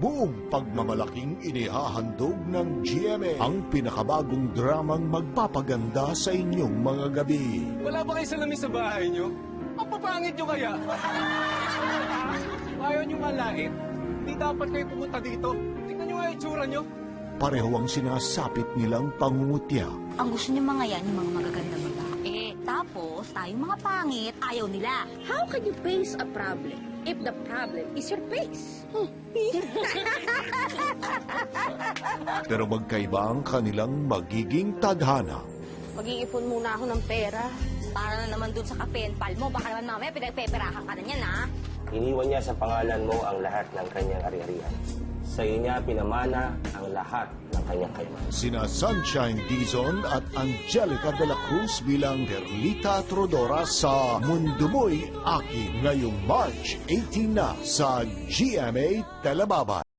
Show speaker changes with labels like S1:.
S1: buong pagmamalaking inihahandog ng GMA ang pinakabagong dramang magpapaganda sa inyong mga gabi.
S2: Wala ba kayo salamin sa bahay nyo? Ang papangit nyo kaya? Ayaw nyo malait? Hindi dapat kayo pumunta dito. Tingnan nyo nga yung itsura nyo.
S1: Pareho ang sinasapit nilang pangungutya.
S3: Ang gusto niya mga yan, yung mga magaganda babae. Tapos, tayong mga pangit, ayaw nila.
S4: How can you face a problem if the problem is your face?
S1: Pero magkaiba ang kanilang magiging tadhana.
S4: Mag-iipon muna ako ng pera.
S3: Para na naman dun sa kapenpal mo, baka naman mamaya pinagpeperahan ka na niyan, ha?
S5: Iniwan niya sa pangalan mo ang lahat ng kanyang ari-arian. Sa iyo niya pinamana ang lahat ng kanyang kayamanan.
S1: Sina Sunshine Dizon at Angelica de la Cruz bilang Perlita Trodora sa Mundo Mo'y Akin ngayong March 18 na sa GMA Telebabay.